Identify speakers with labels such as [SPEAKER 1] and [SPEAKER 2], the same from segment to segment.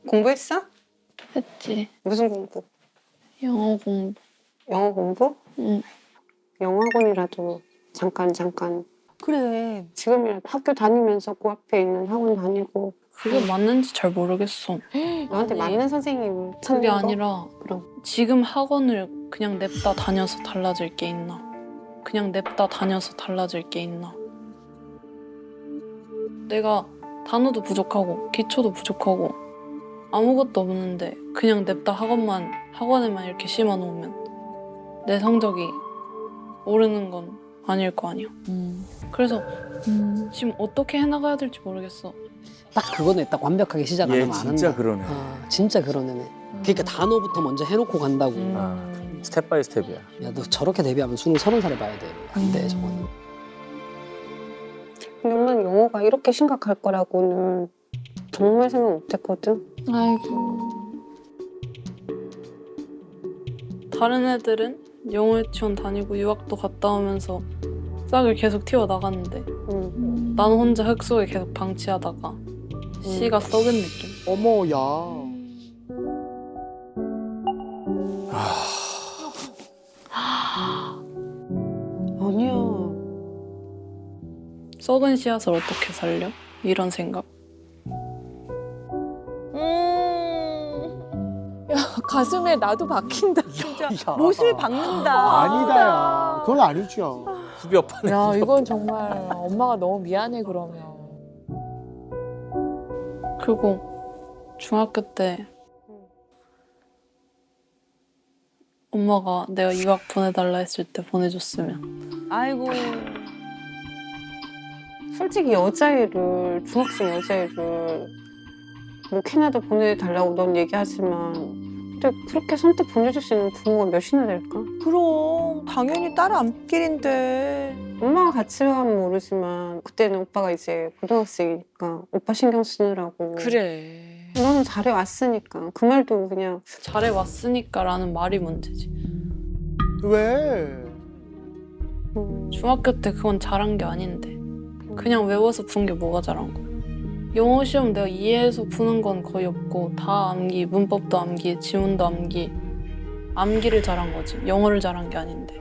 [SPEAKER 1] 공부했어?
[SPEAKER 2] 했지.
[SPEAKER 1] 무슨 공부?
[SPEAKER 2] 영어 공부.
[SPEAKER 1] 영어 공부?
[SPEAKER 2] 응.
[SPEAKER 1] 영어 학원이라도 잠깐.
[SPEAKER 3] 그래.
[SPEAKER 1] 지금이라도 학교 다니면서 그 앞에 있는 학원 다니고
[SPEAKER 2] 그게 맞는지 잘 모르겠어.
[SPEAKER 1] 너한테
[SPEAKER 2] 아니,
[SPEAKER 1] 맞는 선생님
[SPEAKER 2] 그게
[SPEAKER 1] 찾는 거?
[SPEAKER 2] 아니라
[SPEAKER 1] 그럼.
[SPEAKER 2] 지금 학원을 그냥 냅다 다녀서 달라질 게 있나? 그냥 냅다 다녀서 달라질 게 있나? 내가 단어도 부족하고 기초도 부족하고 아무것도 없는데 그냥 냅다 학원에만 이렇게 심어 놓으면 내 성적이 오르는 건 아닐 거 아니야. 그래서 지금 어떻게 해나가야 될지 모르겠어.
[SPEAKER 4] 딱 그거네. 딱 완벽하게 시작 안
[SPEAKER 5] 얘
[SPEAKER 4] 하면 안 한다.
[SPEAKER 5] 진짜 그러네.
[SPEAKER 4] 진짜 그런 애네. 그러니까 단어부터 먼저 해놓고 간다고.
[SPEAKER 5] 스텝 바이 스텝이야.
[SPEAKER 4] 야, 너 저렇게 데뷔하면 30살에 봐야 돼. 안 돼, 저건.
[SPEAKER 1] 근데 엄마는 영어가 이렇게 심각할 거라고는 정말 생각 못했거든.
[SPEAKER 2] 아이고. 다른 애들은 영어 유치원 다니고 유학도 갔다 오면서 싹을 계속 튀어나갔는데 나는 혼자 흙 속에 계속 방치하다가 씨가 썩은 느낌.
[SPEAKER 3] 어머, 야.
[SPEAKER 1] 아니야.
[SPEAKER 2] 썩은 씨앗을 어떻게 살려? 이런 생각.
[SPEAKER 6] 야, 가슴에 나도 박힌다, 진짜.
[SPEAKER 3] 야.
[SPEAKER 6] 못을 박는다.
[SPEAKER 3] 아니다, 야. 그건 아니죠.
[SPEAKER 5] 후비 오빠는
[SPEAKER 6] 야, 이건 정말 엄마가 너무 미안해, 그러면.
[SPEAKER 2] 그리고 중학교 때 엄마가 내가 유학 보내달라 했을 때 보내줬으면.
[SPEAKER 6] 아이고.
[SPEAKER 1] 솔직히 여자애를 중학생 여자애를 뭐 캐나다 보내달라고 넌 얘기하지만 근데 그렇게 선뜻 보내줄 수 있는 부모가 몇이나 될까?
[SPEAKER 3] 그럼 당연히 딸 앞길인데.
[SPEAKER 1] 엄마가 같이 가면 모르지만 그때는 오빠가 이제 고등학생이니까 오빠 신경 쓰느라고
[SPEAKER 3] 그래.
[SPEAKER 1] 너는 잘해왔으니까 그 말도 그냥
[SPEAKER 2] 잘해왔으니까라는 말이 문제지.
[SPEAKER 3] 왜?
[SPEAKER 2] 중학교 때 그건 잘한 게 아닌데 그냥 외워서 푼 게 뭐가 잘한 거야. 영어 시험 내가 이해해서 푸는 건 거의 없고 다 암기, 문법도 암기, 지문도 암기. 암기를 잘한 거지. 영어를 잘한 게 아닌데.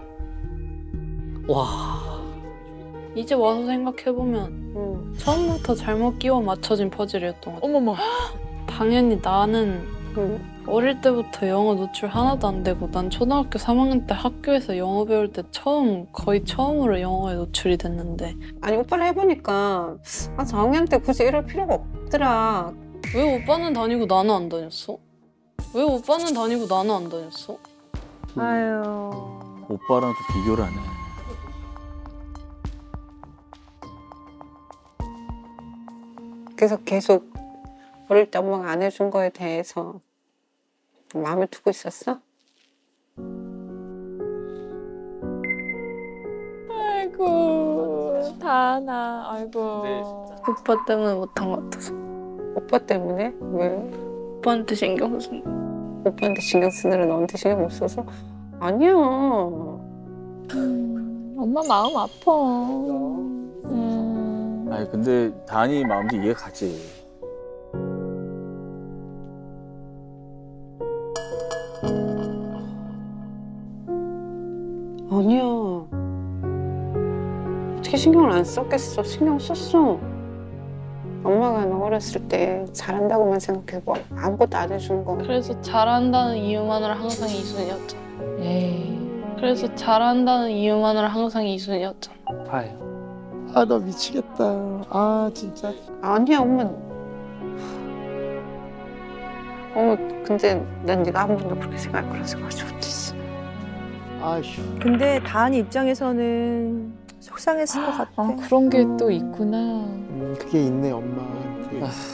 [SPEAKER 4] 와.
[SPEAKER 2] 이제 와서 생각해보면 처음부터 잘못 끼워 맞춰진 퍼즐이었던 것 같아.
[SPEAKER 6] 어머머.
[SPEAKER 2] 당연히 나는 어릴 때부터 영어 노출 하나도 안 되고 난 초등학교 3학년 때 학교에서 영어 배울 때 거의 처음으로 영어에 노출이 됐는데
[SPEAKER 1] 아니 오빠를 해보니까 4학년 때 굳이 이럴 필요가 없더라.
[SPEAKER 2] 왜 오빠는 다니고 나는 안 다녔어? 왜 오빠는 다니고 나는 안 다녔어?
[SPEAKER 6] 아유.
[SPEAKER 5] 오빠랑 또 비교를 하네.
[SPEAKER 1] 그래서 계속 어릴 때 엄마가 안 해준 거에 대해서 마음에 두고 있었어?
[SPEAKER 6] 아이고. 다나. 아이고.
[SPEAKER 2] 오빠 때문에 못한 것 같아서.
[SPEAKER 1] 오빠 때문에? 왜?
[SPEAKER 2] 오빠한테 신경 쓴 거.
[SPEAKER 1] 오빠한테 신경 쓰느라 너한테 신경 못 써서? 아니야.
[SPEAKER 6] 엄마 마음 아파.
[SPEAKER 5] 아니 근데 다니 마음도 이해가 가지.
[SPEAKER 1] 아니야. 어떻게 신경을 안 썼겠어? 신경 썼어. 엄마가 너 어렸을 때 잘한다고만 생각해고 아무것도 안 해준 거.
[SPEAKER 2] 그래서 잘한다는 이유만으로 항상 이순이었잖아.
[SPEAKER 6] 에이.
[SPEAKER 2] 그래서 잘한다는 이유만으로 항상 이순이었잖아.
[SPEAKER 4] 봐요.
[SPEAKER 3] 아, 나 미치겠다. 아, 진짜.
[SPEAKER 1] 아니야, 엄마. 근데 난 네가 한 번도 그렇게 생각할 거라 생각하지 못했어.
[SPEAKER 3] 아휴.
[SPEAKER 7] 근데 다은 입장에서는 속상했을 것 같아.
[SPEAKER 6] 아, 그런 게 또 있구나.
[SPEAKER 3] 그게 있네, 엄마한테.